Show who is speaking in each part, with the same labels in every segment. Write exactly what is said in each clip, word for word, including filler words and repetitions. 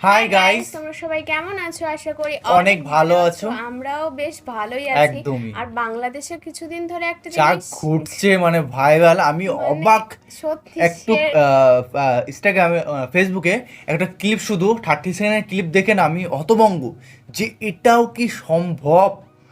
Speaker 1: Hi guys,
Speaker 2: তোমরা সবাই কেমন আছো? আশা করি
Speaker 1: অনেক ভালো আছো।
Speaker 2: আমরাও বেশ ভালোই আছি।
Speaker 1: একদমই।
Speaker 2: আর বাংলাদেশে কিছুদিন ধরে একটা
Speaker 1: যা
Speaker 2: জিনিস
Speaker 1: ঘুরছে মানে ভাইরাল, আমি
Speaker 2: মানে
Speaker 1: অবাক।
Speaker 2: সত্যি
Speaker 1: একটু
Speaker 2: সে-
Speaker 1: ইনস্টাগ্রামে ফেসবুকে একটা ক্লিপ, শুধু থার্টি সেকেন্ডের ক্লিপ দেখে না আমি হতভম্ব যে এটাও কি সম্ভব।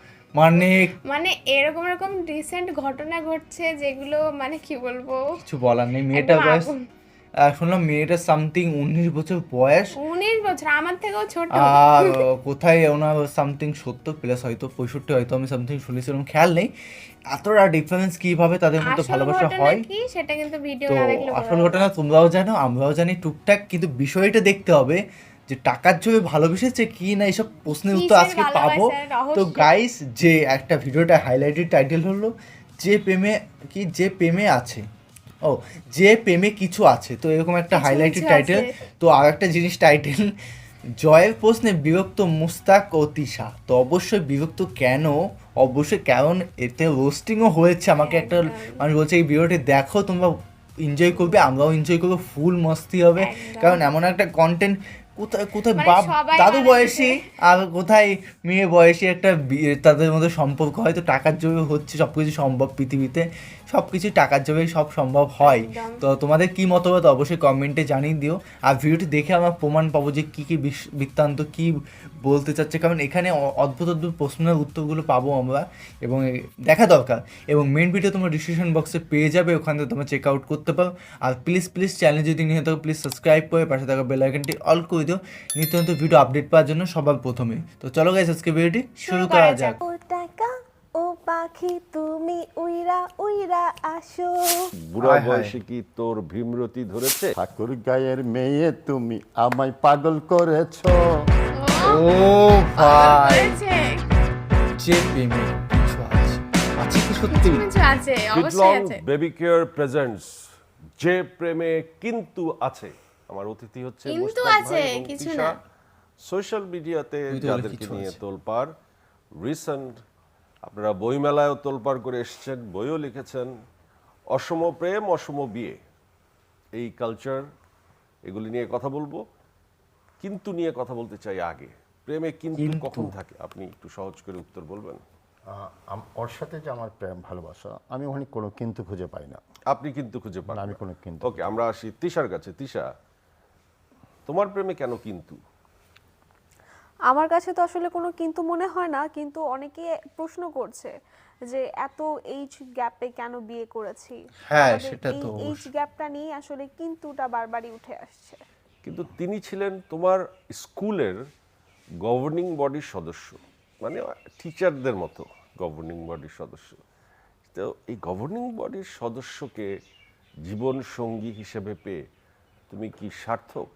Speaker 1: মানে
Speaker 2: মানে এরকম এরকম রিসেন্ট ঘটনা ঘটছে যেগুলো মানে কি বলবো,
Speaker 1: কিছু বলার নেই। মেয়েটার
Speaker 2: একদম
Speaker 1: বয়স,
Speaker 2: আগুন।
Speaker 1: আহ, শুনলাম মেয়েটার সামথিং উনিশ বছর বয়স।
Speaker 2: উনিশ বছর, আমার থেকেও ছোট।
Speaker 1: আর কোথায় ওনার সামথিং সত্তর প্লাস, হয়তো পঁয়ষট্টি, হয়তো আমি সামথিং শুনেছিলাম, খেয়াল নেই। এতটা ডিফারেন্স কীভাবে তাদের মধ্যে
Speaker 2: আসল
Speaker 1: ভালোবাসা
Speaker 2: ঘটনা
Speaker 1: হয়।
Speaker 2: কি সেটা কিন্তু ভিডিও
Speaker 1: তো
Speaker 2: না দেখলে বোঝা
Speaker 1: আসল
Speaker 2: যাবে
Speaker 1: ঘটনা
Speaker 2: না।
Speaker 1: তোমরাও জানো, আমরাও জানি টুকটাক, কিন্তু বিষয়টা দেখতে হবে যে টাকার জন্য ভালোবেসেছে কি না, এইসব প্রশ্নের উত্তর
Speaker 2: কিসের
Speaker 1: আজকে পাবো।
Speaker 2: ভালোবাসার
Speaker 1: তো
Speaker 2: রহস্য?
Speaker 1: গাইস, যে একটা ভিডিওটা হাইলাইটেড টাইটেল হলো যে প্রেমে কি যে প্রেমে আছে, ও যে প্রেমে কিছু আছে, তো এরকম একটা
Speaker 2: কিছু
Speaker 1: হাইলাইটেড
Speaker 2: কিছু
Speaker 1: টাইটেল।
Speaker 2: আছে।
Speaker 1: তো আর একটা জিনিস টাইটেল, জয়ের প্রশ্নে বিরক্ত মুস্তাক ও তিশা। তো অবশ্যই বিরক্ত কেন, অবশ্যই কারণ এতে রোস্টিংও হয়েছে। আমাকে একটা
Speaker 2: একদম।
Speaker 1: মানুষ বলছে এই ভিডিওটি দেখো, তোমরা এনজয় করবে, আমরাও এনজয় করবো, ফুল মস্তি হবে।
Speaker 2: একদম।
Speaker 1: কারণ এমন একটা কন্টেন্ট, কোথায় কোথায়
Speaker 2: মানে
Speaker 1: বাপ
Speaker 2: সবাই
Speaker 1: দাদু
Speaker 2: মানে
Speaker 1: বয়সী আর কোথায় মেয়ে বয়সী একটা বি- তাদের মধ্যে সম্পর্ক, হয়তো টাকার জন্য হচ্ছে সব কিছু সম্ভব পৃথিবীতে, সব কিছু টাকার জন্য সব সম্ভব হয়।
Speaker 2: একদম।
Speaker 1: তো তোমাদের কি মতামত অবশ্যই কমেন্টে জানিয়ে দিও। আর ভিডিওটি দেখে আমরা প্রমাণ পাবো যে কী কী বিশ- বৃত্তান্ত কী বলতে চাচ্ছে, কারণ এখানে অ- অদ্ভুত অদ্ভুত প্রশ্নের উত্তরগুলো পাবো আমরা, এবং এ- দেখা দরকার। এবং মেন ভিডিও তোমরা ডিসক্রিপশন বক্সে পেয়ে যাবে, ওখান থেকে তোমরা চেক আউট করতে পারো। আর প্লিজ প্লিজ চ্যানেল যদি নিয়ে থাকো, প্লিজ সাবস্ক্রাইব করে পাশে থাকা বেল আইকনটি অল করে দিও নিত্য নতুন ভিডিও আপডেট পাওয়ার জন্য সবার প্রথমে। তো চলো গাইস, আজকে ভিডিওটি শুরু করা যাক।
Speaker 3: ও টাকা ও পাখি তুমি উইরা উইরা আসো।
Speaker 4: বুড়া
Speaker 1: হায় হায়।
Speaker 4: বয়সে কি তোর ভীমরতি ধরেছে?
Speaker 5: ঠাকুর গায়ের মেয়ে তুমি আমায় পাগল করেছো।
Speaker 1: ও ভাই,
Speaker 2: হয়েছে।
Speaker 1: যে প্রেমে কিছু আছে, আছে কি সত্যি?
Speaker 2: কিছু কিছু আছে, অবশ্যই
Speaker 4: বিটলং
Speaker 2: আছে।
Speaker 4: বেবি কেয়ার প্রেজেন্টস যে প্রেমে কিন্তু আছে। আমার অতিথি হচ্ছে
Speaker 2: কিন্তু
Speaker 4: মুশতাক
Speaker 2: আছে,
Speaker 4: ভাই এবং
Speaker 2: কিছু
Speaker 4: তিশা।
Speaker 2: না।
Speaker 4: সোশ্যাল মিডিয়াতে
Speaker 1: তুই তো বলে
Speaker 4: যাদেরকে
Speaker 1: কিছু
Speaker 4: নিয়ে
Speaker 1: আছে।
Speaker 4: তোলপাড়, রিসেন্ট আপনারা বইমেলায়ও তোলপাড় করে এসেছেন, বইও লিখেছেন, অসম প্রেম অসম বিয়ে, এই কালচার, এগুলি নিয়ে কথা বলবো। কিন্তু নিয়ে কথা বলতে চাই আগে। প্রেমে কিন্তু
Speaker 1: কিন্তু।
Speaker 4: কখন থাকে, আপনি একটু সহজ করে উত্তর বলবেন?
Speaker 5: আহ, আম- ওর সাথে যে আমার প্রেম ভালোবাসা, আমি ওখানে কোনো কিন্তু খুঁজে পাই না।
Speaker 4: আপনি কিন্তু খুঁজে পান
Speaker 5: না, আমি
Speaker 4: না।
Speaker 5: কোনো কিন্তু
Speaker 4: ওকে, আমরা আসি তিশার কাছে। তিশা, তোমার প্রেমে কেন কিন্তু?
Speaker 3: আমার কাছে তো আসলে কোনো কিন্তু মনে হয় না, কিন্তু অনেকে প্রশ্ন করছে যে এত এইজ গ্যাপে কেন বিয়ে করেছি।
Speaker 1: হ্যাঁ,
Speaker 3: আমাদের
Speaker 1: সেটা
Speaker 3: এই
Speaker 1: তো
Speaker 3: এইজ
Speaker 1: অবশ্যই।
Speaker 3: গ্যাপটা নিয়ে আসলে কিন্তুটা বারবারই উঠে আসছে।
Speaker 4: কিন্তু তিনি ছিলেন তোমার স্কুলের গভর্নিং বডির সদস্য, মানে টিচারদের মতো গভর্নিং বডির সদস্য। তো এই গভর্নিং বডির সদস্যকে জীবন সঙ্গী হিসেবে পেয়ে তুমি কি সার্থক?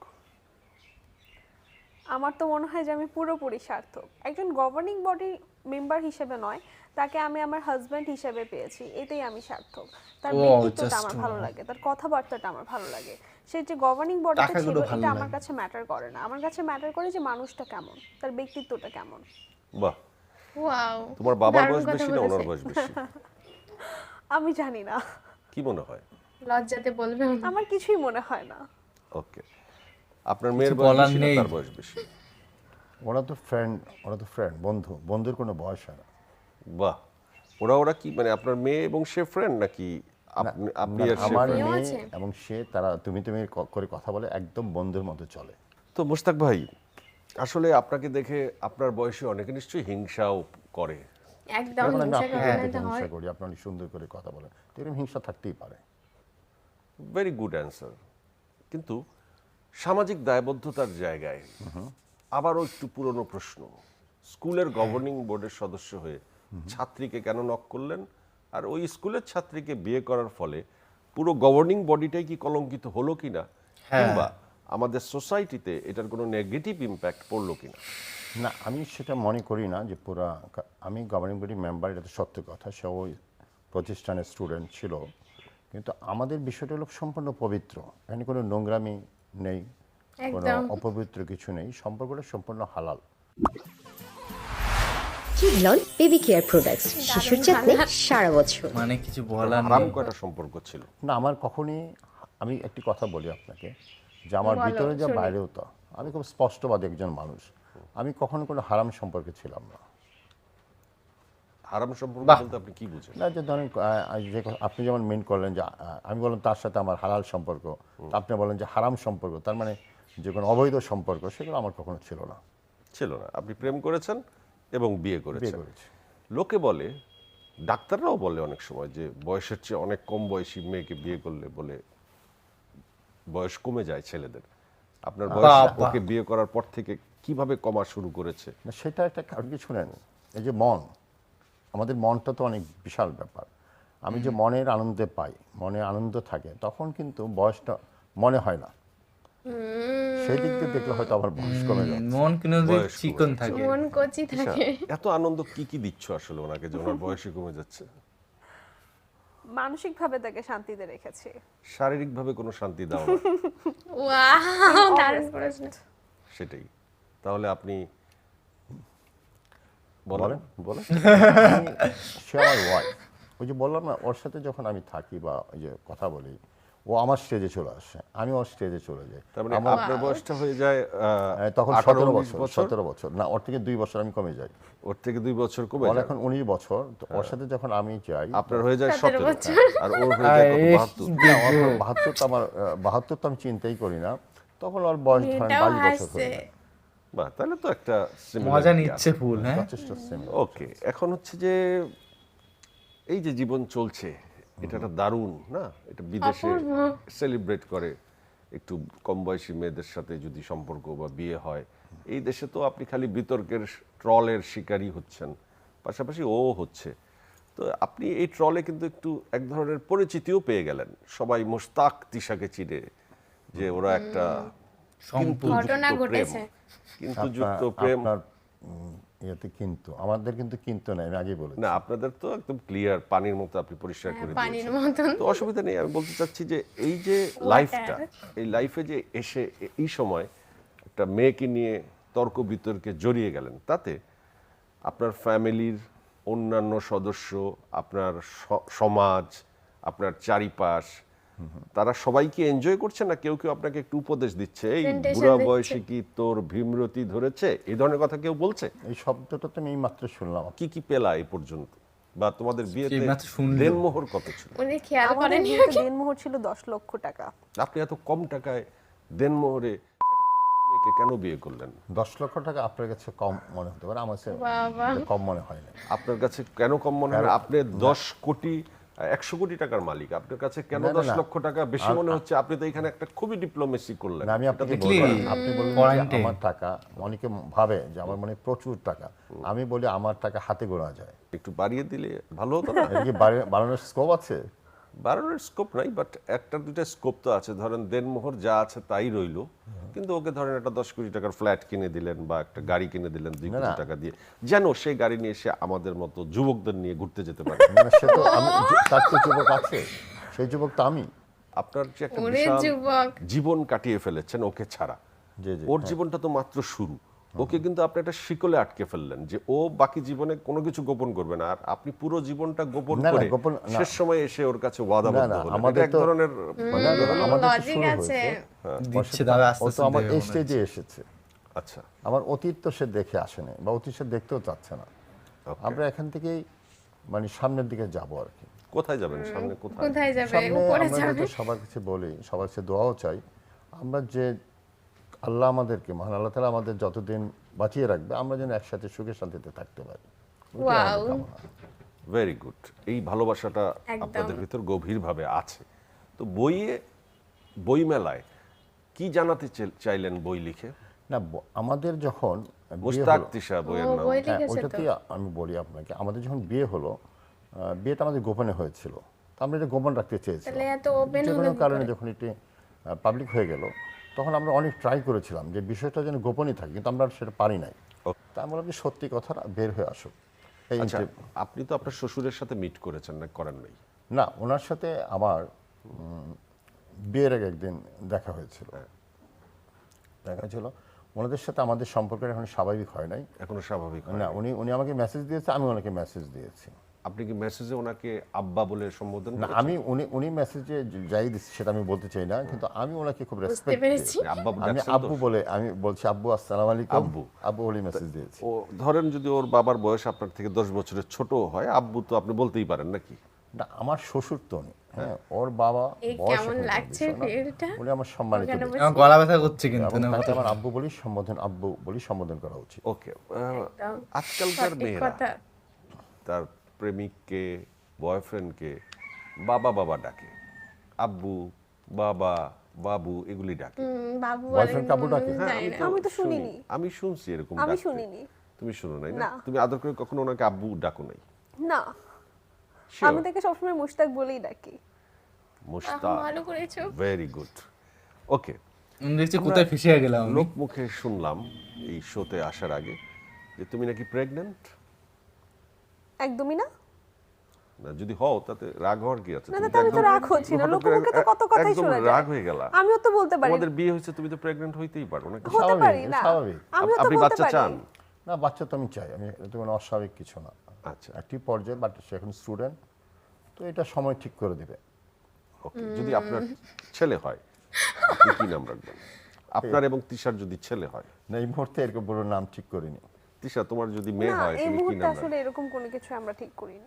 Speaker 3: আমার তো মনে হয় যে আমি পুরোপুরি সার্থক। একজন গভর্নিং বডি মেম্বার হিসেবে নয়, তাকে আমি আমার হাজব্যান্ড হিসেবে পেয়েছি, এতেই আমি সার্থক। তার
Speaker 1: Wow,
Speaker 3: ব্যক্তিত্বটা
Speaker 1: just
Speaker 3: আমার
Speaker 1: wow.
Speaker 3: ভালো লাগে, তার কথাবার্তাটা আমার ভালো লাগে। সে যে গভর্নিং বডিতে ছিল
Speaker 1: টাকাগুলো ভালো
Speaker 3: এটা আমার
Speaker 1: লাগে।
Speaker 3: কাছে ম্যাটার করে না, আমার কাছে ম্যাটার করে যে মানুষটা কেমন, তার ব্যক্তিত্বটা কেমন।
Speaker 4: বাহ,
Speaker 2: ওয়াও,
Speaker 4: তোমার বাবার
Speaker 2: দারুণ
Speaker 4: বয়স
Speaker 2: কথা
Speaker 4: বেশি না ওনার
Speaker 2: বলেছে।
Speaker 4: বয়স বেশি?
Speaker 3: আমি জানি না,
Speaker 4: কি মনে হয়?
Speaker 2: লজ্জাতে বলবে না।
Speaker 3: আমার কিছুই মনে হয় না।
Speaker 4: ওকে, আপনার মেয়ের
Speaker 1: কিছু
Speaker 4: বয়স
Speaker 1: বলার
Speaker 4: বেশি না
Speaker 1: নেই।
Speaker 4: তার বয়স বেশি?
Speaker 5: ওরা তো ফ্রেন্ড, ওরা তো ফ্রেন্ড, বন্ধু। বন্ধুর কোনো বয়স হয় না।
Speaker 4: বাহ, ওরা ওরা কি মানে আপনার মেয়ে এবং সে ফ্রেন্ড, নাকি আপনি আপনি
Speaker 5: না,
Speaker 4: আর সে
Speaker 5: আমার
Speaker 4: friend?
Speaker 2: মেয়েও
Speaker 5: মেয়ে
Speaker 2: আছে?
Speaker 5: এবং সে, তারা তুমি তুমি ক- করে কথা বলে, একদম বন্ধুর মতো চলে।
Speaker 4: তো মুশতাক ভাই, আসলে আপনাকে দেখে আপনার বয়সে অনেকে নিশ্চয়ই হিংসাও করে।
Speaker 2: একদম
Speaker 5: যেমন আমি
Speaker 2: হিংসা
Speaker 5: আপনাকে
Speaker 2: করে না
Speaker 5: দেখে
Speaker 2: তো হয়।
Speaker 5: হিংসা করি, আপনি অনেক সুন্দর করে কথা বলেন, তো এরকম হিংসা থাকতেই পারে।
Speaker 4: Very good answer. কিন্তু সামাজিক দায়বদ্ধতার জায়গায় আবারও একটু পুরনো প্রশ্ন, স্কুলের গভর্নিং বোর্ডের সদস্য হয়ে ছাত্রীকে কেন নক করলেন? আর ওই স্কুলের ছাত্রীকে বিয়ে করার ফলে পুরো গভর্নিং বডিটাই কি কলঙ্কিত হলো কিনা, কিংবা আমাদের সোসাইটিতে এটার কোনো নেগেটিভ ইম্প্যাক্ট পড়লো কিনা?
Speaker 5: না, আমি সেটা মনে করি না যে পুরা, আমি গভর্নিং বডি মেম্বার, এটা তো সত্য কথা, সে ওই প্রতিষ্ঠানের স্টুডেন্ট ছিল, কিন্তু আমাদের বিষয়টা হলো সম্পূর্ণ পবিত্র। এখানে কোনো নোংরামি নেই, কোনো
Speaker 2: একদম।
Speaker 5: অপবিত্র কিছু নেই, সম্পর্কটা সম্পূর্ণ হালাল।
Speaker 6: কিডলন বেবি কেয়ার প্রোডাক্টস, শিশুর যত্নে সারা বছর।
Speaker 1: মানে কিছু বলার
Speaker 4: হারাম
Speaker 1: নেই।
Speaker 4: কয়টা সম্পর্ক ছিল?
Speaker 5: না, আমার কখনই, আমি একটি কথা বলি আপনাকে, যে আমার
Speaker 2: বলো,
Speaker 5: ভিতরে যা
Speaker 2: শুনি।
Speaker 5: বাইরেও তা। আমি খুব স্পষ্টবাদী একজন মানুষ, আমি কখনো কোনো হারাম সম্পর্কে ছিলাম না।
Speaker 4: হারাম সম্পর্ক বলতে আপনি কি বুঝেন?
Speaker 5: না, যে ধরেন আহ, যে কথা- আপনি যেমন মেন করলেন যে আহ, আমি বললাম তার সাথে আমার হালাল সম্পর্ক, তা আপনি বলেন যে হারাম সম্পর্ক, তার মানে যে কোনো অবৈধ সম্পর্ক, সেগুলো আমার কখনো ছিল না।
Speaker 4: ছিল না, আপনি প্রেম করেছেন এবং বিয়ে
Speaker 5: বিয়ে
Speaker 4: করেছেন।
Speaker 5: করেছি।
Speaker 4: লোকে বলে, ডাক্তাররাও বলে অনেক সময় যে বয়সের চেয়ে অনেক কম বয়সী মেয়েকে বিয়ে করলে বলে বয়স কমে যায় ছেলেদের। আপনার বয়স
Speaker 1: বাবা।
Speaker 4: ওকে বিয়ে করার পর থেকে কিভাবে কমা শুরু করেছে?
Speaker 5: না, সেটা একটা কারণ কি শুনেন, এই যে মন, আমাদের মনটা তো অনেক বিশাল ব্যাপার। আমি যে মনের আনন্দে পাই, মনে আনন্দ থাকে, তখন কিন্তু বয়সটা মনে হয় না। সেই দিক দিয়ে দেখলে হয়তো আমার বয়স কমে যায়।
Speaker 1: মন কিন্তু
Speaker 4: বয়স কমে
Speaker 1: চিকন
Speaker 4: যাচ্ছে।
Speaker 1: থাকে।
Speaker 2: মন কচি থাকে।
Speaker 4: এত আনন্দ কি কি দিচ্ছ আসলে ওনাকে যে ওনার বয়সে কমে যাচ্ছে?
Speaker 3: মানসিকভাবে তাকে শান্তিতে রেখেছি।
Speaker 4: শারীরিকভাবে কোনো শান্তি দাও না,
Speaker 2: ওয়াও, দারুণ প্রশ্ন।
Speaker 4: সেটাই। তাহলে আপনি
Speaker 5: বলেন
Speaker 4: বলেন বলেন
Speaker 5: সে আমার ওয়াইফ, ওই যে বললাম না, ওর সাথে যখন আমি থাকি বা ওই যে কথা বলি, ও আমার স্টেজে চলে আসে, আমি ওর স্টেজে চলে যাই।
Speaker 4: তার মানে
Speaker 5: আমার
Speaker 4: আপনার বয়সটা হয়ে যায় আহ,
Speaker 5: আহ, তখন
Speaker 4: আঠারো,
Speaker 5: সতেরো
Speaker 4: উনিশ
Speaker 5: বছর সতেরো বছর না, ওর থেকে দুই বছর আমি কমে যাই।
Speaker 4: ওর থেকে দুই বছর কমে
Speaker 5: ওর
Speaker 4: যায়।
Speaker 5: এখন উনিশ বছর, তো ওর সাথে যখন আমি যাই,
Speaker 4: আপনার হয়ে যায়
Speaker 2: সতেরো
Speaker 4: সতেরো
Speaker 2: বছর।
Speaker 4: আর ওর হয়ে যায় কত?
Speaker 1: আরে,
Speaker 4: বাহাত্তর।
Speaker 5: না, ওর বাহাত্তর তো আমার আহ, বাহাত্তর তো আমি চিন্তাই করি না, তখন ওর বয়স ধরেন
Speaker 2: এটাও
Speaker 5: বাইশ বছর
Speaker 2: হাসছে।
Speaker 5: হয়ে যায়।
Speaker 4: বাহ, তাহলে তো একটা
Speaker 1: মজা নিচ্ছে ফুল, হ্যাঁ।
Speaker 5: যথেষ্ট similar।
Speaker 4: ওকে, এখন হচ্ছে যে এই যে জীবন চলছে, এটা একটা দারুণ না? এটা বিদেশে সেলিব্রেট করে একটু কম বয়সী মেয়েদের সাথে যদি সম্পর্ক বা বিয়ে হয়। এই দেশে তো আপনি খালি বিতর্কের ট্রলের শিকারই হচ্ছেন, পাশাপাশি ও হচ্ছে। তো আপনি এই ট্রলে কিন্তু একটু এক ধরনের পরিচিতিও পেয়ে গেলেন, সবাই মোশতাক তিশাকে চিনে যে ওরা একটা কিন্তু
Speaker 2: ঘটনা
Speaker 4: যুক্ত প্রেম,
Speaker 2: ঘটেছে।
Speaker 4: কিন্তু
Speaker 5: আপনার-
Speaker 4: যুক্ত প্রেম।
Speaker 5: আপনার উম, ইয়েতে কিন্তু আমাদের কিন্তু কিন্তু নাই, আমি আগে বলেছি।
Speaker 4: না, আপনাদের তো একদম ক্লিয়ার, পানির মতো আপনি পরিষ্কার করে
Speaker 2: হ্যাঁ, পানির
Speaker 4: দিয়েছেন।
Speaker 2: মতন।
Speaker 4: তো অসুবিধা নেই। আমি বলতে চাচ্ছি যে এই যে লাইফটা, এই লাইফে যে এসে এ- এই সময় একটা মেয়েকে নিয়ে তর্ক বিতর্কে জড়িয়ে গেলেন, তাতে আপনার ফ্যামিলির অন্যান্য সদস্য, আপনার স- সমাজ, আপনার চারিপাশ, তারা সবাই কি এনজয় করছে, না কেউ কেউ আপনাকে একটু উপদেশ দিচ্ছে, এই
Speaker 2: Presentation
Speaker 4: বুড়া
Speaker 2: দিচ্ছে।
Speaker 4: বয়সে কি তোর ভীমরতি ধরেছে, এই ধরনের কথা কেউ বলছে?
Speaker 5: এই শব্দটা তো আমি এই মাত্র শুনলাম।
Speaker 4: কি কি পেলা এই পর্যন্ত, বা তোমাদের বিয়েতে
Speaker 1: এইমাত্র শুনলো।
Speaker 4: দেনমোহর কত ছিল?
Speaker 2: উনি খেয়াল
Speaker 3: আমাদের
Speaker 2: করেন
Speaker 3: বিয়েতে দিনমোহর ছিল দশ লক্ষ টাকা।
Speaker 4: আপনি এত কম টাকায় দেনমোহরে একটা মেয়েকে কেন বিয়ে করলেন?
Speaker 5: দশ লক্ষ টাকা আপনার কাছে কম মনে হতে পারে, আমার কাছে
Speaker 2: বাবা।
Speaker 5: এটা কম মনে হয় না।
Speaker 4: আপনার কাছে কেন কম মনে হয়? আপনি দশ কোটি একশো কোটি টাকার মালিক, আপনার কাছে কেন
Speaker 5: না, না,
Speaker 4: দশ
Speaker 5: না।
Speaker 4: লক্ষ টাকা বেশি মনে হচ্ছে? আপনি তো এখানে একটা খুবই ডিপ্লোমেসি করলেন।
Speaker 5: না, আমি
Speaker 4: এটা
Speaker 5: আপনাকে
Speaker 4: তো
Speaker 5: বলি,
Speaker 1: Exactly.
Speaker 5: আপনি বললেন
Speaker 1: Point
Speaker 5: যে
Speaker 1: এ।
Speaker 5: আমার টাকা, অনেকে ভাবে যে আমার মনে প্রচুর টাকা, আমি বলি আমার টাকা হাতে গোনা যায়।
Speaker 4: একটু বাড়িয়ে দিলে ভালো হতো না?
Speaker 5: এটা কি বাড়ি- বাড়ানোর স্কোপ আছে?
Speaker 4: বাড়ানোর স্কোপ নাই, বাট একটা দুইটা স্কোপ তো আছে। ধরেন দেনমোহর যা আছে তাই রইলো, কিন্তু ওকে ধরেন একটা দশ কোটি টাকার ফ্ল্যাট কিনে দিলেন বা একটা গাড়ি কিনে দিলেন দুই
Speaker 5: না,
Speaker 4: কোটি
Speaker 5: না।
Speaker 4: টাকা দিয়ে, যেন সেই গাড়ি নিয়ে সে আমাদের মতো যুবকদের নিয়ে ঘুরতে যেতে পারে।
Speaker 5: মানে সে তো আমি, তার তো যুবক আছে, সেই যুবক তো আমি।
Speaker 4: আপনার যে একটা
Speaker 2: ওরে
Speaker 4: বিশাল
Speaker 2: যুবক।
Speaker 4: জীবন কাটিয়ে ফেলেছেন ওকে ছাড়া,
Speaker 5: জি, জি,
Speaker 4: ওর
Speaker 5: হ্যাঁ।
Speaker 4: জীবনটা তো মাত্র শুরু। ওকে কিন্তু আপনি একটা শিকলে আটকে ফেললেন যে ও বাকি জীবনে কোনো কিছু গোপন করবে না, আর আপনি পুরো জীবনটা গোপন
Speaker 5: না, না,
Speaker 4: করে
Speaker 5: গোপন- না।
Speaker 4: শেষ সময় এসে ওর কাছে ওয়াদাবদ্ধ
Speaker 5: না, না,
Speaker 4: হলেন।
Speaker 5: আমাদের
Speaker 4: এটা এক
Speaker 5: তো-
Speaker 4: ধরনের মানে,
Speaker 5: না, না,
Speaker 2: হুম,
Speaker 5: আমাদের তো
Speaker 2: logic
Speaker 5: শুরু
Speaker 2: আছে।
Speaker 5: হয়েছে।
Speaker 1: দিচ্ছে দাদা আস্তে
Speaker 5: ও তো
Speaker 1: আস্তে
Speaker 5: আমার
Speaker 1: দেবে
Speaker 5: এই
Speaker 1: মনে
Speaker 5: স্টেজে
Speaker 1: হচ্ছে।
Speaker 5: এসেছে,
Speaker 4: আচ্ছা,
Speaker 5: আমার অতীত তো সে দেখে আসেনি বা অতীত সে দেখতেও চাচ্ছে না।
Speaker 4: Okay.
Speaker 5: আমরা এখান থেকেই মানে সামনের দিকে যাব আর কি।
Speaker 4: কোথায় যাবেন সামনে? কোথায়?
Speaker 2: কোথায় যাবে?
Speaker 5: সামনে
Speaker 2: উপরে
Speaker 5: আমরা
Speaker 2: যাবে।
Speaker 5: তো সবার কাছে বলি, সবার কাছে দোয়াও চাই, আমরা যে আল্লাহ আমাদেরকে, মহান আল্লাহ তাআলা আমাদের যতদিন বাঁচিয়ে রাখবে, আমরা যেন একসাথে সুখে শান্তিতে থাকতে পারি। ওইটাই আমাদের
Speaker 2: ওয়াও।
Speaker 5: কামনা।
Speaker 4: Very good. এই ভালোবাসাটা
Speaker 2: একদম।
Speaker 4: আপনাদের ভিতর গভীরভাবে আছে। তো বইয়ে, বই মেলায় কি জানাতে চে- চাইলেন বই লিখে?
Speaker 5: না, ব- আমাদের যখন বিয়ে
Speaker 4: মুশতাক
Speaker 5: হলো,
Speaker 4: তিশা বইয়ের
Speaker 2: ও,
Speaker 4: নাম।
Speaker 2: বই
Speaker 5: হ্যাঁ,
Speaker 2: লিখেছে তো।
Speaker 5: ওইটাতেই আমি বলি আপনাকে, আমাদের যখন বিয়ে হলো, আহ, বিয়েটা আমাদের গোপনে হয়েছিল, তো আমরা এটা গোপন রাখতে চেয়েছিলাম।
Speaker 2: তাহলে এত ওপেন
Speaker 5: যে
Speaker 2: হলো
Speaker 5: কোনো
Speaker 2: কি
Speaker 5: কারণে
Speaker 2: করে?
Speaker 5: যখন এটি পাবলিক হয়ে গেল, তখন আমরা অনেক ট্রাই করেছিলাম যে বিষয়টা যেন গোপনই থাকে, কিন্তু আমরা সেটা পারি নাই।
Speaker 4: Okay.
Speaker 5: তা আমি বললাম যে সত্যি কথাটা বের হয়ে আসুক। এই
Speaker 4: আচ্ছা,
Speaker 5: interview-
Speaker 4: আপনি তো আপনার শ্বশুরের সাথে মিট করেছেন না, করেন নাই?
Speaker 5: না, ওনার সাথে আমার উম, বিয়ের আগে একদিন দেখা হয়েছিল, দেখা হয়েছিল ওনাদের সাথে আমাদের সম্পর্কটা এখন স্বাভাবিক হয় নাই।
Speaker 4: এখনো স্বাভাবিক হয়
Speaker 5: না, উনি উনি আমাকে মেসেজ দিয়েছে, আমি ওনাকে মেসেজ দিয়েছি।
Speaker 4: আপনি কি মেসেজে ওনাকে আব্বা বলে সম্বোধন
Speaker 5: না
Speaker 4: করেছেন?
Speaker 5: আমি উনি উনি মেসেজে যাই দিচ্ছে সেটা আমি বলতে চাই না, কিন্তু আমি ওনাকে খুব
Speaker 2: বুঝতে
Speaker 5: রেসপেক্ট
Speaker 2: পেরেছি।
Speaker 4: মানে আব্বা
Speaker 5: আমি
Speaker 4: ডাকছেন তো?
Speaker 5: আব্বু বলে আমি বলছি আব্বু আসসালামু আলাইকুম
Speaker 4: আব্বু।
Speaker 5: আব্বু বলে মেসেজ দিয়েছি।
Speaker 4: ও ধরেন যদি ওর বাবার বয়স আপনার থেকে দশ বছরের ছোট হয়, আব্বু তো আপনি বলতেই পারেন নাকি?
Speaker 5: না আমার শ্বশুর তো উনি, হ্যাঁ ওর বাবা
Speaker 2: এই
Speaker 5: বয়স
Speaker 2: কেমন
Speaker 5: এখন বড়
Speaker 2: লাগছে
Speaker 5: বিষয় না।
Speaker 2: ফিলটা?
Speaker 5: উনি আমার সম্মানিত
Speaker 2: কেন
Speaker 5: ব্যক্তি।
Speaker 1: আমার গলা ব্যথা করছে কিন্তু
Speaker 5: এবং
Speaker 1: না
Speaker 5: তাকে আমার আব্বু বলি সম্বোধন আব্বু বলি সম্বোধন করা উচিত।
Speaker 4: ওকে,
Speaker 2: একদম
Speaker 4: আজকালকার
Speaker 2: সঠিক
Speaker 4: মেয়েরা
Speaker 2: কথা।
Speaker 4: তার প্রেমিককে, বয়ফ্রেন্ডকে বাবা বাবা ডাকে, আব্বু, বাবা, বাবু এগুলি ডাকে।
Speaker 2: হুম, বাবু
Speaker 5: বয়ফ্রেন্ড কাবু ডাকে?
Speaker 2: বলেন,
Speaker 4: হ্যাঁ,
Speaker 2: জানি না।
Speaker 3: আমি তো
Speaker 4: শুনি।
Speaker 3: শুনিনি।
Speaker 4: আমি শুনছি এরকম
Speaker 3: আমি
Speaker 4: ডাকতে।
Speaker 3: শুনিনি।
Speaker 4: তুমি শুনো নাই না?
Speaker 3: না।
Speaker 4: তুমি আদর করে কখনো ওনাকে আব্বু ডাকো নাই?
Speaker 3: না,
Speaker 4: Sure?
Speaker 3: আমি তাকে সবসময় মুশতাক বলেই ডাকি।
Speaker 2: আহ,
Speaker 4: মুশতাক,
Speaker 2: ভালো করেছো।
Speaker 4: Very good. ওকে,
Speaker 1: আমি দেখছি কোথায় ফেসে গেলাম আমি।
Speaker 4: লোক মুখে শুনলাম এই শোতে আসার আগে যে তুমি নাকি প্রেগন্যান্ট।
Speaker 3: একদমই না।
Speaker 4: না, যদি হও তাতে রাগ হওয়ার কি আছে?
Speaker 3: না
Speaker 4: তুমি
Speaker 3: তাতে আমি তো
Speaker 4: একদম-
Speaker 3: রাগ হচ্ছি না,
Speaker 4: হঠাৎ
Speaker 3: লোকের
Speaker 4: করে
Speaker 3: মুখে তো কত কথাই
Speaker 4: একদম
Speaker 3: শোনা
Speaker 4: রাগ
Speaker 3: যায়।
Speaker 4: হয়ে গেলা।
Speaker 3: আমিও তো বলতে পারি,
Speaker 4: তোমাদের বিয়ে হয়েছে, তুমি তো প্রেগন্যান্ট হইতেই পারো নাকি?
Speaker 3: হতে
Speaker 5: স্বাভাবিক,
Speaker 3: পারি না।
Speaker 5: স্বাভাবিক।
Speaker 3: আমিও তো
Speaker 4: আপনি
Speaker 3: বলতে
Speaker 4: বাচ্চা
Speaker 3: পারি।
Speaker 4: চান?
Speaker 5: না বাচ্চা তো আমি চাই, আমি এটা কোনো অস্বাভাবিক কিছু না।
Speaker 4: আচ্ছা,
Speaker 5: একটি পর্যায়ে বাট সে এখন স্টুডেন্ট, তো এটা সময় ঠিক করে দিবে।
Speaker 4: ওকে। যদি আপনার ছেলে হয় আপনি কি নাম রাখবেন? আপনার এবং তিশার যদি ছেলে হয়।
Speaker 5: না এই মুহূর্তে এরকম বড় নাম ঠিক করিনি।
Speaker 4: তিশা, তোমার যদি মেয়ে
Speaker 3: না
Speaker 4: হয়
Speaker 3: এই
Speaker 4: তুমি কি
Speaker 3: মুহূর্তে
Speaker 4: নাম
Speaker 3: আসলে
Speaker 4: রাখবে?
Speaker 3: এরকম কোনো কিছু আমরা ঠিক করিনি।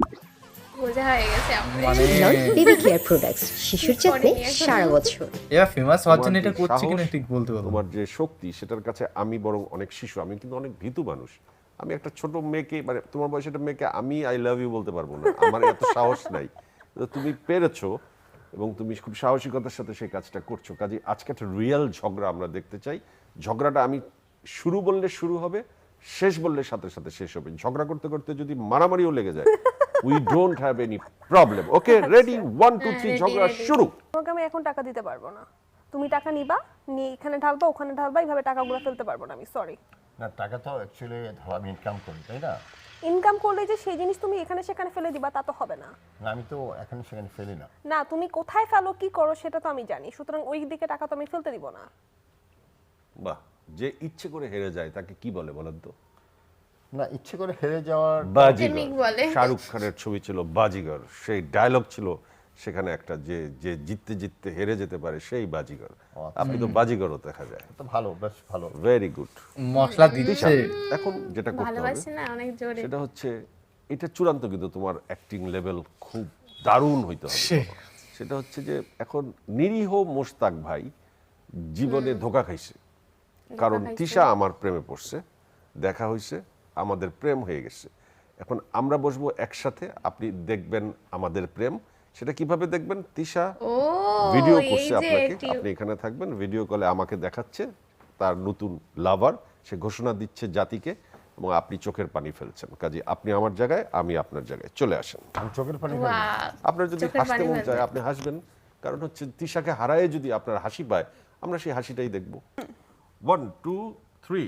Speaker 2: বোঝা হয়ে গেছে আপনি।
Speaker 1: মানে
Speaker 6: বেবি কেয়ার প্রোডাক্টস শিশুর যত্নে সারা বছর।
Speaker 1: এরা ফেমাস হওয়ার জন্য
Speaker 4: তোমার
Speaker 1: এটা
Speaker 4: যে
Speaker 1: করছে কিনা
Speaker 4: সাহস,
Speaker 1: ঠিক বলতে পারবো না।
Speaker 4: তোমার যে শক্তি, সেটার কাছে আমি বরং অনেক শিশু। আমি কিন্তু অনেক ভীতু মানুষ। আমি একটা ছোট মেয়েকে, মানে তোমার বয়সের একটা মেয়েকে আমি আই লাভ ইউ বলতে পারবো না, আমার এত সাহস নাই। তো তুমি পেরেছো এবং তুমি খুব সাহসিকতার সাথে সেই কাজটা করছো। কাজে আজকে একটা রিয়েল ঝগড়া আমরা দেখতে চাই। ঝগড়াটা আমি শুরু বললে শুরু হবে, শেষ বললে সাথে সাথে শেষ হবে। ঝগড়া করতে করতে যদি মারামারিও লেগে যায়, we don't have any problem. Okay, ready? One two three, ঝগড়া শুরু।
Speaker 3: তোমাকে আমি এখন টাকা দিতে পারবো না। তুমি টাকা নিবা, নিয়ে এখানে ঢালবা, ওখানে ঢালবা, এইভাবে টাকাগুলো ফেলতে পারবো না আমি, সরি।
Speaker 5: না টাকা তো অ্যাকচুয়ালি ধরো আমি ইনকাম করি, তাই না?
Speaker 3: ইনকাম করলে যে সেই জিনিস তুমি এখানে সেখানে ফেলে দিবা তা তো হবে না।
Speaker 5: না আমি তো এখানে সেখানে ফেলি না।
Speaker 3: না তুমি কোথায় ফেলো কি করো সেটা তো আমি জানি, সুতরাং ওই দিকে টাকা তো আমি ফেলতে দিব না।
Speaker 4: বাহ, যে ইচ্ছে করে হেরে যায় তাকে কি বলে বলেন তো?
Speaker 5: না ইচ্ছে করে হেরে যাওয়ার
Speaker 4: বাজিগর।
Speaker 2: প্রেমিক বলে।
Speaker 4: শাহরুখ খানের ছবি ছিল বাজিগর, সেই ডায়লগ ছিল সেখানে একটা, যে যে জিততে জিততে হেরে যেতে পারে সেই বাজিগর। আপনি তো বাজিগরও দেখা যায়।
Speaker 5: তো ভালো, বেশ ভালো।
Speaker 4: Very good.
Speaker 1: মশলা দিচ্ছে।
Speaker 4: এখন যেটা করতে হবে
Speaker 2: ভালোবাসি না অনেক জোরে।
Speaker 4: সেটা হচ্ছে, এটা চূড়ান্ত কিন্তু তোমার অ্যাক্টিং লেভেল খুব দারুণ হইতে হবে।
Speaker 1: সে-
Speaker 4: সেটা হচ্ছে যে এখন নিরীহ মোশতাক ভাই জীবনে ধোকা খাইছে, কারণ
Speaker 2: খাইছে।
Speaker 4: তিশা আমার প্রেমে পড়ছে, দেখা হয়েছে, আমাদের প্রেম হয়ে গেছে। এখন আমরা বসবো একসাথে, আপনি দেখবেন আমাদের প্রেম। সেটা কিভাবে দেখবেন? তিশা
Speaker 2: ও
Speaker 4: ভিডিও
Speaker 2: এই
Speaker 4: করছে
Speaker 2: যে
Speaker 4: আপনাকে,
Speaker 2: টিউ-
Speaker 4: আপনি এখানে থাকবেন, ভিডিও কলে আমাকে দেখাচ্ছে তার নতুন লাভার, সে ঘোষণা দিচ্ছে জাতিকে, এবং আপনি চোখের পানি ফেলছেন। কাজে আপনি আমার জায়গায়, আমি আপনার জায়গায়, চলে আসেন।
Speaker 5: আমি চোখের পানি ফেলি না।
Speaker 2: Wow,
Speaker 4: আপনার যদি
Speaker 2: চোখের
Speaker 4: হাসতে
Speaker 2: পানি
Speaker 4: মন
Speaker 2: ফেলবে।
Speaker 4: চায় আপনি হাসবেন, কারণ হচ্ছে তিশাকে হারায়ে যদি আপনার হাসি পায়, আমরা সেই হাসিটাই দেখব। One two three.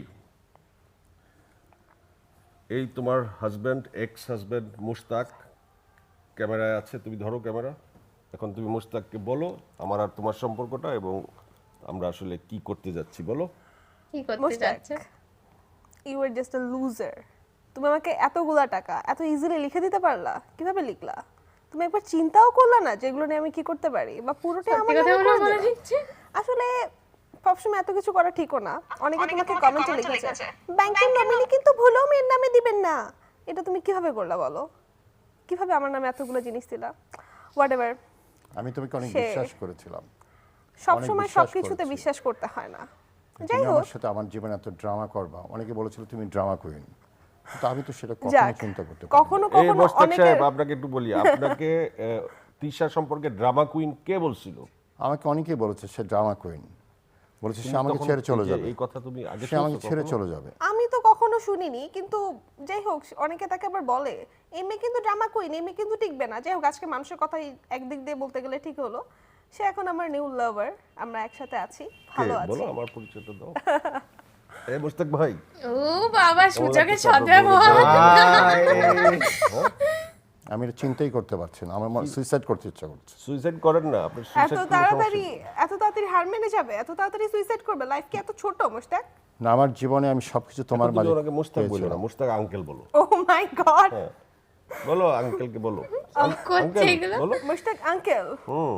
Speaker 4: এই তোমার হাজব্যান্ড, এক্স হাজব্যান্ড মুশতাক ক্যামেরায় আছে, তুমি ধরো ক্যামেরা। এখন তুমি মুশতাককে বলো আমার আর তোমার সম্পর্কটা, এবং আমরা আসলে কি করতে যাচ্ছি বলো।
Speaker 2: কি করতে
Speaker 3: মুশতাক,
Speaker 2: যাচ্ছে?
Speaker 3: You are just a loser. তুমি আমাকে এতগুলা টাকা এত ইজিলি লিখে দিতে পারলা? কিভাবে লিখলা? তুমি একবার চিন্তাও করলা না যে এগুলো নিয়ে আমি কি করতে পারি, বা পুরোটাই
Speaker 2: সত্যি
Speaker 3: আমার
Speaker 2: কথা
Speaker 3: নামে
Speaker 2: বলে
Speaker 3: করে
Speaker 2: বলে
Speaker 3: দিলা?
Speaker 2: দিচ্ছে।
Speaker 3: আসলে সবসময় এত কিছু করা ঠিকও না। অনেকে তোমাকে কমেন্টে লিখেছে ব্যাংকের নমিনি কিন্তু ভুলেও মেয়ের নামে দিবেন না। এটা তুমি কিভাবে করলা বলো? কিভাবে আমার নামে এতগুলো জিনিস দিলা? হোয়াটএভার।
Speaker 5: আমি তোমাকে অনেক
Speaker 3: সে-
Speaker 5: বিশ্বাস করেছিলাম।
Speaker 3: সবসময়
Speaker 5: বিশ্বাস
Speaker 3: সবকিছুতে
Speaker 5: করেছি।
Speaker 3: বিশ্বাস করতে হয় না।
Speaker 5: তুমি
Speaker 3: যাই হোক,
Speaker 5: আমার সাথে আমার জীবনে এত ড্রামা করবা, অনেকে বলেছিল তুমি ড্রামা কুইন, কিন্তু আমি তো সেটা কখনো
Speaker 3: যাক,
Speaker 5: চিন্তা করতে পারি
Speaker 3: কখনো
Speaker 4: এই
Speaker 3: কখনো
Speaker 4: মোশতাক
Speaker 3: অনেকের
Speaker 4: সাহেব, আপনাকে একটু বলি, আপনাকে আহ, তিশা সম্পর্কে ড্রামা কুইন কে বলছিল?
Speaker 5: আমাকে অনেকেই বলেছে সে ড্রামা কুইন, বলেছে সে আমাকে
Speaker 4: তখন
Speaker 5: ছেড়ে চলে
Speaker 4: এই যে
Speaker 5: যাবে,
Speaker 4: এই কথা তুমি আগে
Speaker 5: সে আমাকে
Speaker 4: শুনেছো
Speaker 5: ছেড়ে
Speaker 4: কখনো?
Speaker 5: চলে যাবে।
Speaker 3: আমি তো কখনো শুনিনি, কিন্তু যাই হোক অনেকে তাকে আবার বলে এই মেয়ে কিন্তু ড্রামা কুইন, এই মেয়ে কিন্তু টিকবে না। যাই হোক আজকে মানুষের কথা একদিক দিয়ে বলতে গেলে ঠিক হলো। সে এখন আমার নিউ লাভার, আমরা একসাথে আছি, ভালো
Speaker 4: কে?
Speaker 3: আছি।
Speaker 4: বলো, আমার পরিচয়টা দাও। এই মোশতাক ভাই,
Speaker 2: ও বাবা, সূচকের
Speaker 4: একটা চাদর
Speaker 2: সদ্ব্যবহার।
Speaker 5: আমি এটা চিন্তাই করতে পারছি না, আমার সুইসাইড করতে ইচ্ছা করছে।
Speaker 4: সুইসাইড করেন না, আপনি
Speaker 3: এত
Speaker 4: সুইসাইড করলে
Speaker 3: তাড়াতাড়ি
Speaker 4: সমস্যা
Speaker 3: এত তাড়াতাড়ি হার মেনে যাবে? এত তাড়াতাড়ি সুইসাইড করবে? লাইফ কি এত ছোট মোশতাক?
Speaker 5: না আমার জীবনে আমি সবকিছু তোমার
Speaker 4: তোমার
Speaker 5: মাঝে
Speaker 4: মাঝে ওনাকে মোশতাক বলো না,
Speaker 5: পেয়েছিলাম।
Speaker 4: মোশতাক আঙ্কেল বলো।
Speaker 3: ও মাই গড,
Speaker 4: বলো আঙ্কেলকে বলো
Speaker 2: করছে
Speaker 4: আঙ্কেল
Speaker 2: এগুলো।
Speaker 4: বলো
Speaker 3: Mushtaq uncle,
Speaker 4: hmm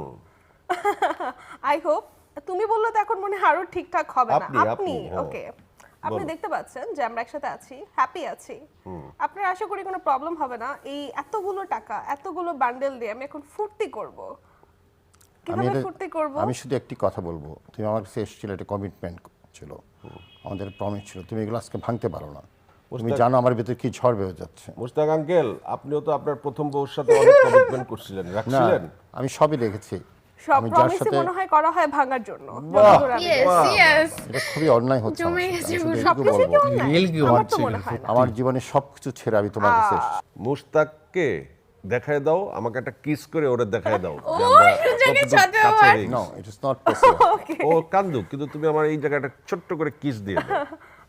Speaker 3: I hope তুমি বললে তো এখন মনে হয় আরো ঠিকঠাক হবে না।
Speaker 4: আপনি,
Speaker 3: আপনি
Speaker 4: আপনি, হ্যাঁ।
Speaker 3: ওকে, আপনি
Speaker 4: বলো।
Speaker 3: দেখতে পাচ্ছেন যে আমরা একসাথে আছি, হ্যাপি আছি। আপনার আশা করি কোনো প্রবলেম হবে না। এই এতগুলো টাকা, এতগুলো বান্ডেল দিয়ে আমি এখন ফুর্তি করব।
Speaker 5: আমি
Speaker 3: কিভাবে
Speaker 5: এটা-
Speaker 3: ফুর্তি করব?
Speaker 5: আমি শুধু একটি কথা বলবো, তুমি আমার কাছে এসেছিলে, একটা কমিটমেন্ট ছিল, আমাদের প্রমিস ছিল, তুমি এগুলো আজকে ভাঙতে পারো না। তুমি জানো আমার ভিতরে কি ঝড় বেয়ে যাচ্ছে।
Speaker 4: মুশতাক আঙ্কেল, আপনিও তো আপনার প্রথম বউর সাথে অনেক কমিটমেন্ট করছিলেন,
Speaker 5: না,
Speaker 4: রাখছিলেন?
Speaker 5: আমি সবই রেখেছি।
Speaker 3: সব
Speaker 5: আমি যার
Speaker 3: প্রমিসই
Speaker 5: সাথে
Speaker 3: মনে হয় করা হয় ভাঙার জন্য।
Speaker 4: বাহ,
Speaker 3: যতদূর আমি
Speaker 2: ইয়েস
Speaker 3: জানি।
Speaker 2: ইয়েস
Speaker 5: এটা খুবই অন্যায় হচ্ছে আমার
Speaker 2: জমে
Speaker 5: সাথে।
Speaker 2: গেছে
Speaker 5: আমি শুধু
Speaker 2: পুরো।
Speaker 5: এটুকু
Speaker 3: সবকিছু কি
Speaker 5: বলবো,
Speaker 3: অন্যায়?
Speaker 1: রিয়েল কি
Speaker 3: আমার তো
Speaker 1: হচ্ছে
Speaker 3: মনে
Speaker 1: এগুলো?
Speaker 3: হয় না।
Speaker 5: আমার জীবনে সবকিছু ছেড়ে আমি তোমার কাছে এসেছি।
Speaker 4: মুশতাককে দেখায় দাও, আমাকে একটা কিস করে ওরে দেখায় দাও যে
Speaker 2: ও,
Speaker 4: আমরা
Speaker 2: সুযোগের
Speaker 4: কতটুকু
Speaker 2: সাথে
Speaker 4: কাছে
Speaker 2: আবার।
Speaker 4: হয়ে গেছি।
Speaker 5: No, it is not possible.
Speaker 4: ও কান্দুক, কিন্তু তুমি আমার এই জায়গাটা ছোট্ট করে কিস দিয়ে দাও।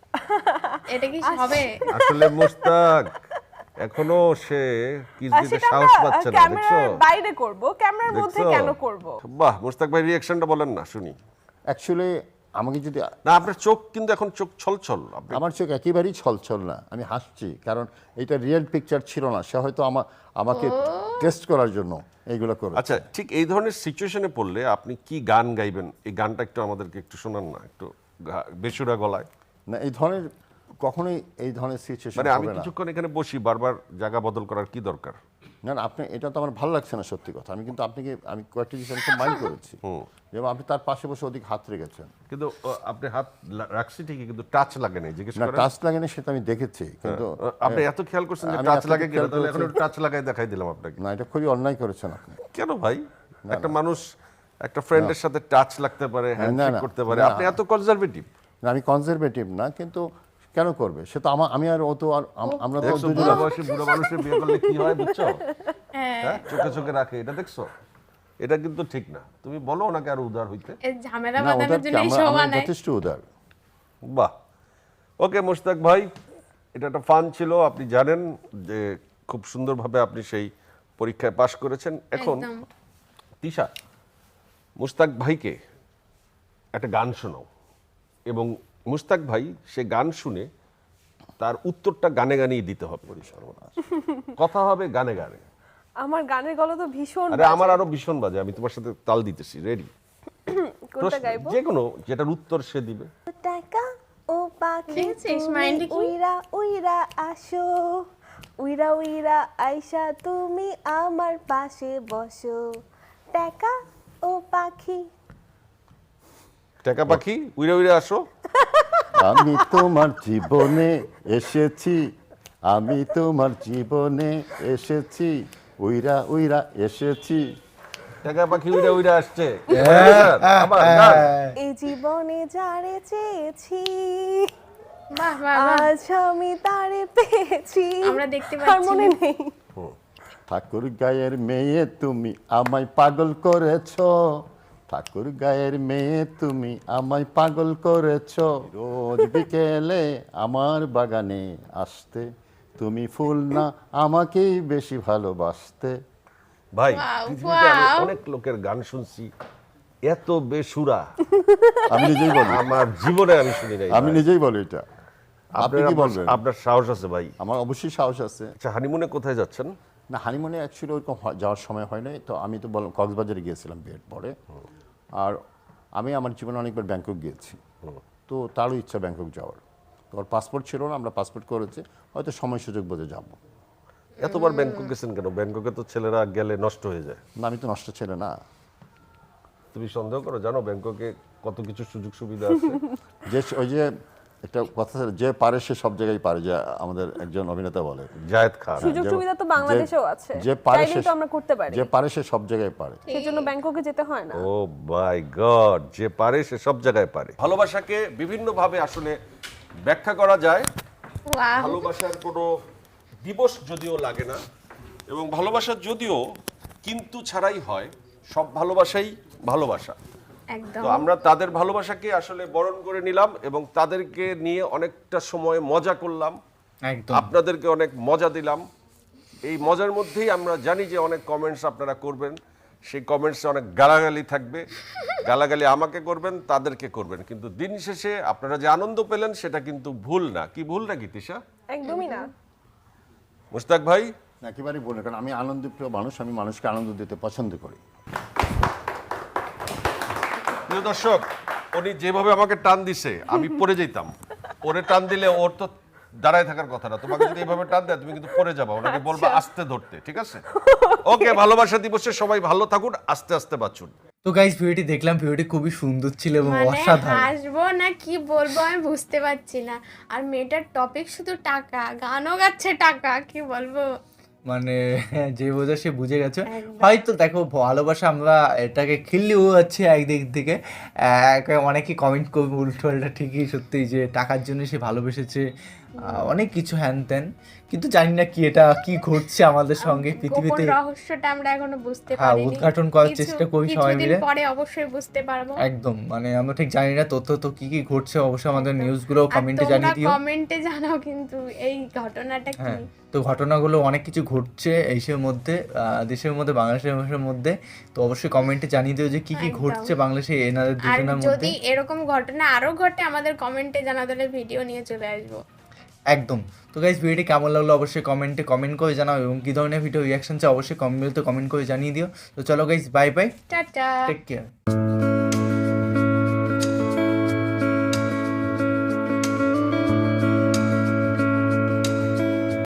Speaker 2: এটা কি হবে?
Speaker 4: আসলে মুশতাক এখনো সে কিস
Speaker 3: আর
Speaker 4: দিতে
Speaker 3: সেটা
Speaker 4: সাহস
Speaker 3: আমরা
Speaker 4: পাচ্ছে না, দেখছো?
Speaker 3: ক্যামেরার বাইরে করব, ক্যামেরার মধ্যে
Speaker 4: দেখছো?
Speaker 3: কেন করব?
Speaker 4: বাহ, মুশতাক ভাই রিঅ্যাকশনটা বলেন না শুনি।
Speaker 5: অ্যাকচুয়ালি আমাকে যদি,
Speaker 4: না, আপনার চোখ কিন্তু এখন চোখ ছলছল। আপনি
Speaker 5: আমার চোখ একেবারেই ছলছল না, আমি হাসছি, কারণ এটা রিয়েল পিকচার ছিল না। সে হয়তো আমা আমাকে টেস্ট করার জন্য এইগুলো করে।
Speaker 4: আচ্ছা, ঠিক এই ধরনের সিচুয়েশনে পড়লে আপনি কি গান গাইবেন? এই গানটা একটু আমাদেরকে একটু শোনান না, একটু গা- বেসুরা গলায়।
Speaker 5: না, এই ধরনের কখনোই এই ধরনের সিচুয়েশন
Speaker 4: মানে আমি
Speaker 5: হবে না।
Speaker 4: কিছুক্ষণ এখানে বসি, বারবার জায়গা বদল করার কি দরকার?
Speaker 5: না না, আপনি, এটা তো আমার ভালো লাগছে না, সত্যি কথা। আমি কিন্তু আপনাকে, আমি কয়েকটি জিনিস আমি খুব মাইন্ড করেছি, যেমন আপনি তার পাশে বসে ওদিকে হাত রেখেছেন।
Speaker 4: কিন্তু ও, আপনি হাত লা- রাখছি ঠিকই, কিন্তু টাচ লাগে নাই, জিজ্ঞেস
Speaker 5: না,
Speaker 4: করেন।
Speaker 5: টাচ লাগে না সেটা আমি দেখেছি, কিন্তু
Speaker 4: আ, আপনি এত খেয়াল করছেন যে
Speaker 5: আমি
Speaker 4: টাচ
Speaker 5: এতটুকু
Speaker 4: লাগে কিনা,
Speaker 5: খেয়াল
Speaker 4: তাহলে এখন
Speaker 5: করেছি।
Speaker 4: টাচ লাগাই দেখাই দিলাম আপনাকে।
Speaker 5: না, এটা খুবই অন্যায় করেছেন আপনি।
Speaker 4: কেন ভাই? একটা মানুষ একটা ফ্রেন্ডের সাথে টাচ লাগতে পারে, হ্যান্ডশেক
Speaker 5: না,
Speaker 4: করতে পারে,
Speaker 5: না।
Speaker 4: আপনি এত কনজারভেটিভ।
Speaker 5: না, আমি কনজারভেটিভ না, কিন্তু কেন করবে সে? তো আমার, আমি আর ও তো আর আম- আমরা তো
Speaker 4: দেখছো
Speaker 5: দুজন
Speaker 4: বুড়া বয়সে বুড়া মানুষের বিয়ে করলে কি হয়, বুঝছো? হ্যাঁ, চোখে চোখে রাখে, এটা দেখছো? এটা কিন্তু ঠিক না। তুমি বলো ওনাকে আরো উদার হইতে।
Speaker 2: এই ঝামেলা
Speaker 5: না,
Speaker 2: বাঁধানোর
Speaker 5: ওদের কি,
Speaker 2: জন্য এই
Speaker 5: আমরা
Speaker 2: শো
Speaker 5: আমরা
Speaker 2: বানায়।
Speaker 5: যথেষ্ট উদার।
Speaker 4: বাহ, ওকে মুশতাক ভাই, এটা একটা ফান ছিল। আপনি জানেন যে খুব সুন্দরভাবে আপনি সেই পরীক্ষায় পাশ করেছেন। এখন
Speaker 2: একদম।
Speaker 4: তিশা, মুশতাক ভাইকে একটা গান শোনাও, এবং মুশতাক ভাই সে গান শুনে তার উত্তরটা গানে গানেই দিতে হবে। কথা হবে গানে গানে।
Speaker 3: আমার গানের গলা তো ভীষণ
Speaker 4: আরে আমার আরো ভীষণ বাজে, আমি তোমার সাথে তাল দিতেছি, রেডি?
Speaker 3: কোনটা গাইবো?
Speaker 4: যে কোনো যেটার উত্তর সে দিবে।
Speaker 3: টাকা ও পাখি
Speaker 2: দেখেছিস
Speaker 3: তুমি
Speaker 2: মাইন্ডে কি?
Speaker 3: উইরা উইরা আসো, উইরা উইরা আইসা তুমি আমার পাশে বসো। টাকা ও পাখি।
Speaker 4: টাকা পাখি উইরা উইরা আসো।
Speaker 5: আমি তোমার জীবনে এসেছি, আমি তোমার জীবনে এসেছি, উইরা উইরা এসেছি।
Speaker 4: টাকা পাখি উইরা উইরা আসছে।
Speaker 1: হ্যাঁ,
Speaker 4: আবার গান।
Speaker 3: এই জীবনে যারে চেয়েছি,
Speaker 2: বাহ বাহ বাহ।
Speaker 3: আজ আমি তারে পেয়েছি।
Speaker 2: আমরা দেখতে
Speaker 3: আর
Speaker 2: পাচ্ছি
Speaker 3: মনে
Speaker 2: না।
Speaker 3: নেই।
Speaker 5: ঠাকুর গায়ের মেয়ে তুমি আমায় পাগল করেছো, ঠাকুর গায়ের মেয়ে তুমি আমায় পাগল করেছো। রোজ বিকেলে আমার বাগানে আসতে, তুমি ফুল না আমাকেই বেশি ভালোবাসতে।
Speaker 4: ভাই,
Speaker 2: Wow,
Speaker 4: পৃথিবীতে আমি
Speaker 2: wow.
Speaker 4: অনেক লোকের গান শুনছি, এত বেসুরা
Speaker 5: আমি নিজেই বলি,
Speaker 4: আমার জীবনে আমি শুনি নাই।
Speaker 5: আমি নিজেই বলি এটা। আপনি
Speaker 4: আপনার
Speaker 5: কি বলবেন?
Speaker 4: আপনার সাহস আছে ভাই।
Speaker 5: আমার অবশ্যই সাহস আছে।
Speaker 4: আচ্ছা, হানিমুনে কোথায় যাচ্ছেন?
Speaker 5: না, হানিমুনে অ্যাকচুয়ালি ওরকম হ- যাওয়ার সময় হয় নাই। তো আমি তো বললাম কক্সবাজারে গিয়েছিলাম বিয়ের পরে। আর আমি আমার জীবনে অনেকবার ব্যাংকক গিয়েছি, তো তারও ইচ্ছা ব্যাংকক যাওয়ার। তো ওর পাসপোর্ট ছিল না, আমরা পাসপোর্ট করেছি, হয়তো সময় সুযোগ বুঝে যাবো।
Speaker 4: এতবার ব্যাংকক গেছেন কেন? ব্যাংককে তো ছেলেরা গেলে নষ্ট হয়ে যায়।
Speaker 5: না, আমি তো নষ্ট ছেলে না।
Speaker 4: তুমি সন্দেহ করো? জানো ব্যাংককে কত কিছু সুযোগ সুবিধা আছে।
Speaker 5: যে ওই যে একটা কথা আছে, যে পারে সে সব জায়গায় পারে, যে আমাদের একজন অভিনেতা বলে।
Speaker 4: জায়েদ খান।
Speaker 3: সুযোগ
Speaker 5: যে-
Speaker 3: সুবিধা তো
Speaker 5: যে-
Speaker 3: বাংলাদেশেও আছে,
Speaker 5: যে পারে
Speaker 3: চাইলেই
Speaker 5: সে,
Speaker 3: তো আমরা করতে পারি।
Speaker 5: যে পারে সে সব জায়গায় পারে।
Speaker 3: সেজন্য ব্যাংককে যেতে হয় না।
Speaker 4: ও মাই গড, যে পারে সে সব জায়গায় পারে। ভালোবাসাকে বিভিন্নভাবে আসলে ব্যাখ্যা করা যায়।
Speaker 2: ওয়াও।
Speaker 4: ভালোবাসার কোনো দিবস যদিও লাগে না, এবং ভালোবাসা যদিও কিন্তু ছাড়াই হয়, সব ভালোবাসাই ভালোবাসা।
Speaker 2: একদম।
Speaker 4: তো আমরা তাদের ভালোবাসাকে আসলে বরণ করে নিলাম, এবং তাদেরকে নিয়ে অনেকটা সময় মজা করলাম,
Speaker 1: একদম।
Speaker 4: আপনাদেরকে অনেক মজা দিলাম। এই মজার মধ্যেই আমরা জানি যে অনেক কমেন্টস আপনারা করবেন, সেই কমেন্টসে অনেক গালাগালি থাকবে। গালাগালি আমাকে করবেন, তাদেরকে করবেন, কিন্তু দিন শেষে আপনারা যে আনন্দ পেলেন সেটা কিন্তু ভুল না। কি ভুল নাকি তিশা?
Speaker 3: একদমই না।
Speaker 4: মুশতাক ভাই,
Speaker 5: একেবারেই বলে, কারণ আমি আনন্দপ্রিয় মানুষ, আমি মানুষকে আনন্দ দিতে পছন্দ করি।
Speaker 4: প্রিয় দর্শক, উনি যেভাবে আমাকে টান দিছে আমি পড়ে যেতাম। ওরে টান দিলে ওর তো দাঁড়ায় থাকার কথা না, তোমাকে যদি এইভাবে টান দেয় তুমি কিন্তু পড়ে যাবা। ওনাকে বলবা আস্তে ধরতে, ঠিক আছে? ওকে, ভালোবাসা দিবসে সবাই ভালো থাকুন, আস্তে আস্তে বাঁচুন।
Speaker 1: তো গাইস ভিডিওটি দেখলাম, ভিডিওটি খুবই সুন্দর ছিল এবং
Speaker 2: মানে
Speaker 1: অসাধারণ।
Speaker 2: হাসবো না কি বলবো আমি বুঝতে পারছি না। আর মেয়েটার টপিক শুধু টাকা, গানও গাচ্ছে টাকা, কি বলবো।
Speaker 1: মানে যে বোঝা সে বুঝে গেছে।
Speaker 2: একদম।
Speaker 1: হয়তো দেখো ভালোবাসা আমরা এটাকে খিল্লিও যাচ্ছে একদিক থেকে, এক- অনেকে কমেন্ট করবে উল্টো পাল্টা, ঠিকই সত্যি যে টাকার জন্য সে ভালোবেসেছে, আহ, অনেক কিছু হ্যান ত্যান, কিন্তু জানি না কি এটা কি ঘটছে আমাদের সঙ্গে
Speaker 2: গোপন
Speaker 1: পৃথিবীতে।
Speaker 2: রহস্যটা আমরা এখনো বুঝতে
Speaker 1: হ্যাঁ,
Speaker 2: পারিনি।
Speaker 1: উদ্ঘাটন করার
Speaker 2: কিছু-
Speaker 1: চেষ্টা করি সবাই
Speaker 2: কিছুদিন
Speaker 1: মিলে।
Speaker 2: পরে অবশ্যই বুঝতে পারবো।
Speaker 1: একদম, মানে আমরা ঠিক জানি না তথ্য তো কি কি ঘটছে, অবশ্যই আমাদের
Speaker 2: একদম।
Speaker 1: নিউজগুলো
Speaker 2: আর
Speaker 1: কমেন্টে
Speaker 2: তোমরা
Speaker 1: জানিয়ে দিও।
Speaker 2: কমেন্টে জানাও কিন্তু এই ঘটনাটা কি।
Speaker 1: হ্যাঁ, তো ঘটনাগুলো অনেক কিছু ঘটছে এইসের মধ্যে, আহ, দেশের মধ্যে, বাংলাদেশের মানুষের মধ্যে। তো অবশ্যই কমেন্টে জানিয়ে দিও যে কি কি
Speaker 2: একদম।
Speaker 1: ঘটছে বাংলাদেশে এনাদের
Speaker 2: আর
Speaker 1: দুজনের মধ্যে।
Speaker 2: যদি এরকম ঘটনা আরো ঘটে আমাদের কমেন্টে জানাও, তাহলে ভিডিও নিয়ে চলে আসবো।
Speaker 1: একদম। তো গাইস ভিডিওটি কেমন লাগলো অবশ্যই কমেন্টে কমেন্ট করে জানাও, এবং কি ধরনের ভিডিও রিয়াকশন চাই অবশ্যই কমেন্টে কমেন্ট করে জানিয়ে দিও। তো চলো guys, bye bye,
Speaker 2: tata.
Speaker 1: Take care.